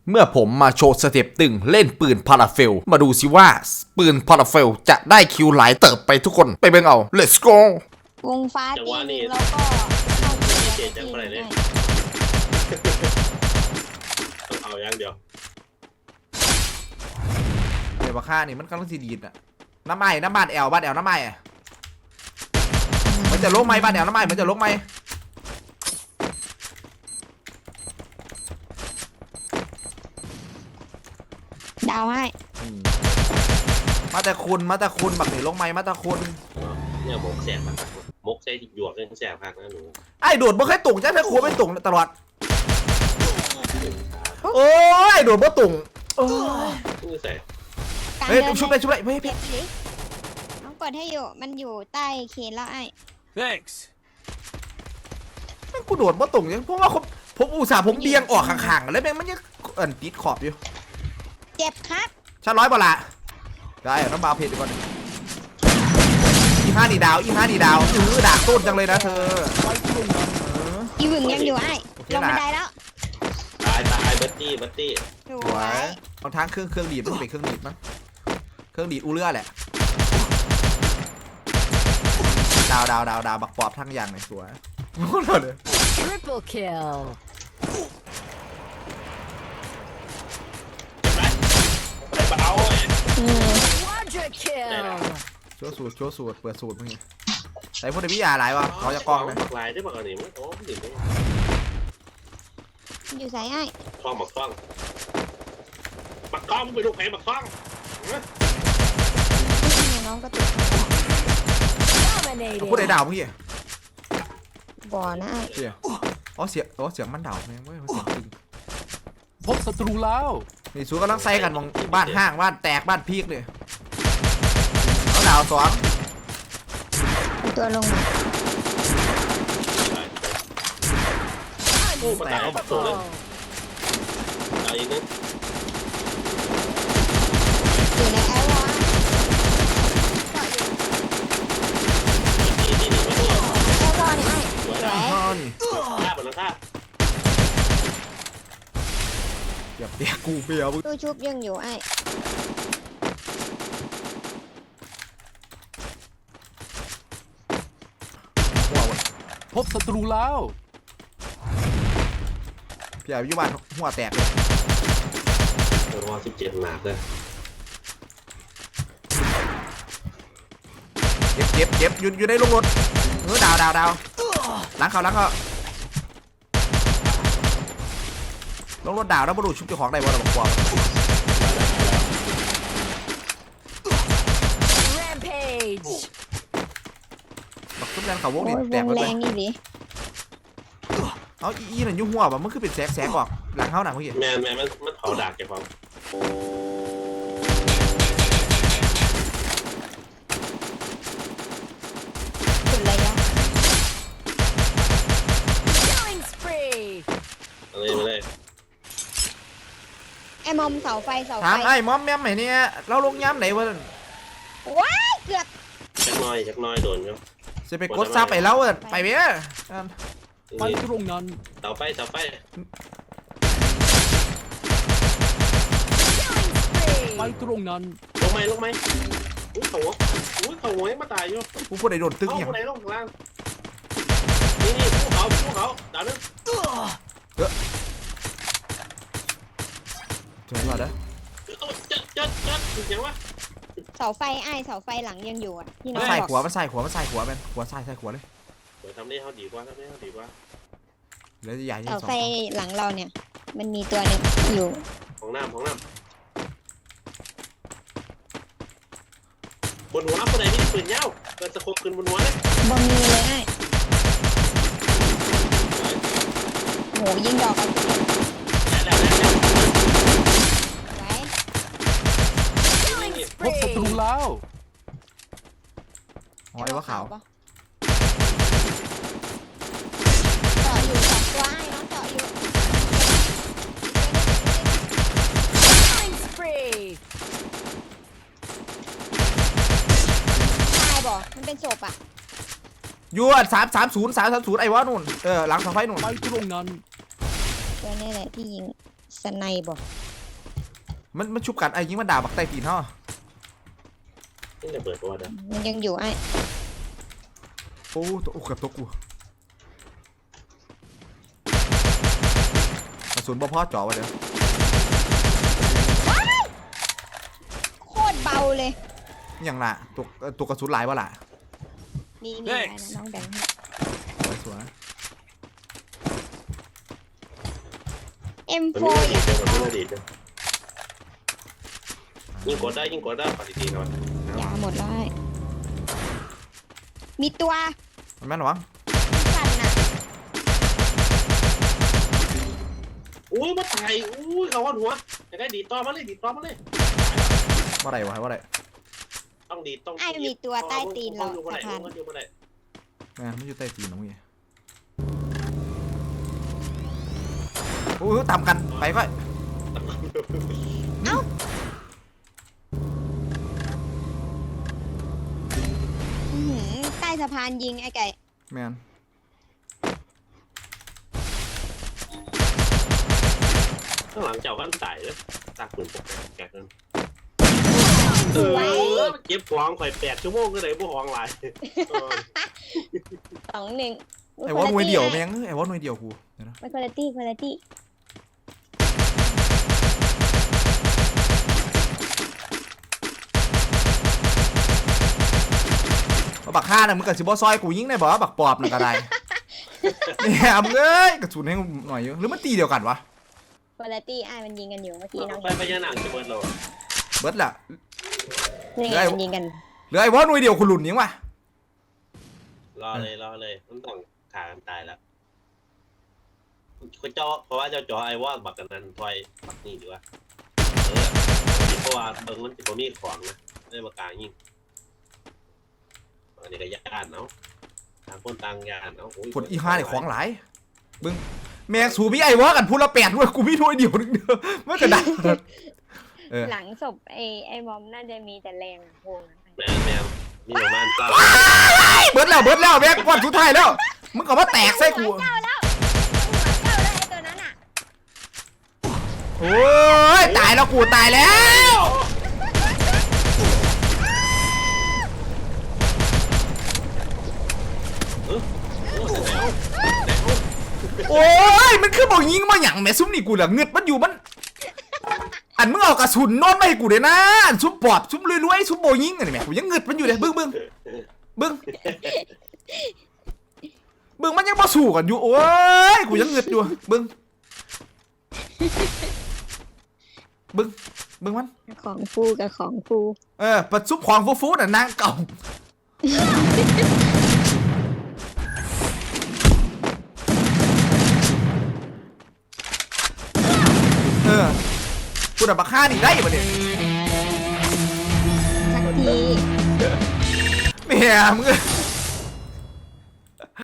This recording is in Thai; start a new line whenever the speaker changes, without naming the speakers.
เมื่อผมมาโชว์สเต็ปตึงเล่นปืนพาราเฟลมาดูสิว่าปืนพาราเฟลจะได้คิวหลายเติบไปทุกคนไปเบิ่งเอา let's go
วงฟ้าตีหนึ่งแล้วก็เข้าเกียร์ตีหนึ่งได้
ต้องเอาอย่างเดียว
เดี๋ยวมาฆ่านี่มันกำลังสีดีดอะน้ำไม้น้ำบ้านแอลน้ำไม้อะมันจะลกไหมบ้านแอลน้ำไม้มันจะลกไหม
ดาวให้
มาแต่คุณบักหนีลงไหมมาแต่คุณ
เนี่ยหมกแสบมากมกใส่หยวกเลยแสบมากนะหนู
ไอ้โดดบ่เคยตุ่งใช่ไหมครัวไม่ตุ่งตลอดโอ้ยโดดบ่ตุ่งโอ้ย
นี่ใส่
เฮ้ยชุบเลยเฮ้ย
เก็บสิน้องกดให้อยู่มันอยู่ใต้เคนแล้วไอ้
Thanks.
แม่งกูโดดบ่ตุ่งยังเพราะว่าผมอุตส่าห์ผมเบียงออกข้างๆแล้วแม่งมันยังติดขอบอยู่
เจ็บครับ
ชั้นร้อยบ่ละได้น้ำบาเพจดีกว่าอีห้าดีดาวด่าต้นจังเลยนะเธอ
อีหวึงยังอยู่ไอ้ลงบันไดแล้ว
ตายบัตตี้
ส
ส
ว
วย
ย
บางทางเครื่องดีดมันเป็นเครื่องดีดมั้งเครื่องดีดอูเลือแหละดาวบักปอบทั้งอย่างเลยสวยโคตรเลย
Triple kill.
ไปเอา
Quadra kill.
โชว์สูตรเปิดสูตรมึงไงใส่พวกเดวิยาหลายวะเขาจะกล้องเลย
ลายได้บอกอันนี้มั้งโอ้ดิ่ง
อยู่ใส่ไอ้
คล้องหมักคล้องไปลูกแผลหมักคล้อง
น้องก็ติด
พูด
Dominating.
ไอ้ดาวเมื่อกี้
บ่อนะไอ้
เสียเสียงมันดาวแม่งเว้ยมันเสียงจริง
พบศัตรูแล้ว
นี่สูกำลังใส่กันมองบ้านห้างบ้านแตกบ้านพีกเลยเอาดาวสอง
ตัวลงมา
โอ้มาตายเอาตัวเลยตายอีกนึง
อยู่ในแอร์วอล
นี่มาตัว
แอร์วอลนี่ไอ้
สวย
สวย
อ๋อนี่
ฆ่าหมดแล้วฆ่า
เดี๋ยวเปียกกูเปียก
ตู้ชุบยังอยู่ไอ้
หัว
พบศัตรูแล้ว
เปียกอยู่บ้านหัวแตกเลย
โอ้โห17หนักเลย
เจ็บอยู่ในโรงรถดาวล้างเขาลงรถดาวแล้วบรรลุชุบเจ้าของได้บ่เราบอกว่า
Rampage.
บักชุบยันเขาวง
โอ้
นี่
ยว
แตก
ง
ไป
แร
เลย
งนี่ดิ
เอาอีนั่นยุ่งหัวมันคือเป็นแสกออกหลังเขาหนังเมื่อกี้
แมนมันเผาดากแกฟัง
สุดระยะ
Killing spree.
อะไรมาเลย
ไอ้มอมเสาไฟ
ถามไอ้มอมแม่มไหนเนี่ยเราลงย้ำไหนวะ
ว้ายเกือบ
จักน้อยโดนครับ
จะไปกดซับไปแล้วไปเบี้ย
ไปตรงนั้น
เต่าไป
Killing spree.
ไปตรงนั้น
ลงไหมอุ้ยเขาหัวมาตายอยู่
กูพูดไอ้โดนตึ้ง
เอา
อย่าง
คนไหนลงข้างล่างนี่ภูเขาดาวนึง
เจอแล้วนะ
จัดยังวะ
เสาไฟไอ้เสาไฟหลังยังอยู่อ่ะที่น้
มั
อน ง
ใส่
บอก
หัวมันใส่หัวมันขวาเลย
เดี๋ยวทำได้เขาดีกว่า
แล้วจะใหญ่ยัง
เสา
สอง
ไฟหลังเราเนี่ย มันมีตัวหนึงอยู่
ของน้ำบนหัวคนไหนนี่ปืนยาวเกิดสะโคบขึ้นบนหัวเลย
บอมีเลยไอ้โหยิงดอกกันไว้
Killing
พบศัตรู
spree.
แล้ว
อ๋อไอ้ว่าขาว
ปะเจาะอยู่สองตัวไอ้น้องเจาะอยู่
Killing spree.
ตายบ่มันเป็นศพอ่ะ
ยู330ไอ้วะนู่นหลังเสาไฟนู่น
ไปตรงนั้น
ตัวนี้แหละที่ยิงสไนบอก
มันชุบกันไอ้ยิงมันด่าบักไตตีนเนาะ
นี่จะเปิดตัวนะ
มันยังอยู่ไอ้
โอ้ตัวเกือบตัวกูกระสุนบ่พอจ่อวะเดี๋ยว
โคตรเบาเลย
อย่างละตัวกระสุนหลายวะล่ะ
นี่นี่อะไรนะน้องแบงค์
สวย
มัน
M4
ไม่
อยาก
ดี
ได้
มันไม่ดีจ้ะยิงกดได้ปฏิทินหน่อย
ยาหมดแล้วไอ้มีตัว
มันแม่นหรอวะ
สั่นน่ะ
อุ้ยมาตายอุ้ยเขาหัวจะได้ดีต่อมาเลย
ว่าไรวะว่าไร
ต้องดีต้อง
ไอ้มีตัวใต้ตีนเรา
อยู่
สะพาน
อยู่บ่ได้
แม่ไม่อยู่ใต้ตีนน้องเว้ยโอ้ยตามกันไปก็
อื้อหือใต้สะพานยิงไอ้ไก่
แม่น
ข้างหลังเจ้าก็ตายเลยตากปืนปกแกกัน
สวย
เก็บของข่อย8 ชั่วโมงก็เลยบ่ของหลาย
2-1
ไอ้วอลหน่วยเดียวแม่งไอ้วอลหน่วยเดียวกูเดี๋ยวนะ
ไม่คุณภาพคุณภาพ
บักฆ่าน่ะมึงกับซิบอซอยกูยิงได้บ่บักปอบน่ะก็ได้เนี่ยมึงเอ้ยกระสุนให้หน่อยเยอะหรือมันตีเดียวกันวะ
คุณภาพไอ้มันยิงกันอยู่เมื่อกี้น้อง
ไปพญานาคจะเบิดเรา
เบิร์ดล่ะ
นี่ไงมันยิงกัน
เหลือไอ้วอลหน่วยเดียวคุณหลุนยิงวะ
รอเลยมันต้องขากันตายแล้วคุณเจ้าเพราะว่าเจ้าจ่อไอ้ว่าบักกันนั้นถอยบักนี่ดีกว่าเพราะว่าเบิ่งมันสิบ่มีของนะได้มากลางยิงอันนี้ก็ญาติเนาะต่างคนต่างญาติเนาะ
ผลอีห้าเนี่ยของหลายมึงแม่งสูพี่ไอ้วอลกันพูดละ8ด้วยกูมีหน่วยเดียวนึงเดียวมันก็ได้เออ
หลังศพไอ้บอมน่าจะมีแต่แรงอะโวงอะ
แมวมีประมาณ9
เบิร์ดแล้วแม่งก่อนสุดท้ายแล้วมึงก็มาแตกใส่กู
หัวเจ้าแล้วไอ้ตัวนั้นอ่ะ
โอ้ยตายแล้วกูตายแล้ว โอ้ยมันคือบอกยิงมาหยั่งแม่ซุ่มนี่กูเหลือเงือดมันอยู่มันอันมึงเอากระสุนนอนมาให้กูเด้นะอันซุ่มปอบซุ่มรวยๆซุ่มโบยิงอันนี้แม่กูยังเงือดมันอยู่เลยบึ้งมันยังมาสู้กันอยู่โอ้ยกูยังเงือดอยู่บึ้งมัน
ของฟูกับของฟู
ปัดซุปของฟูๆน่ะนางเก่ากูดับบักฆ่านี่ได้ปะเนี่ย
สักที
แม่มึง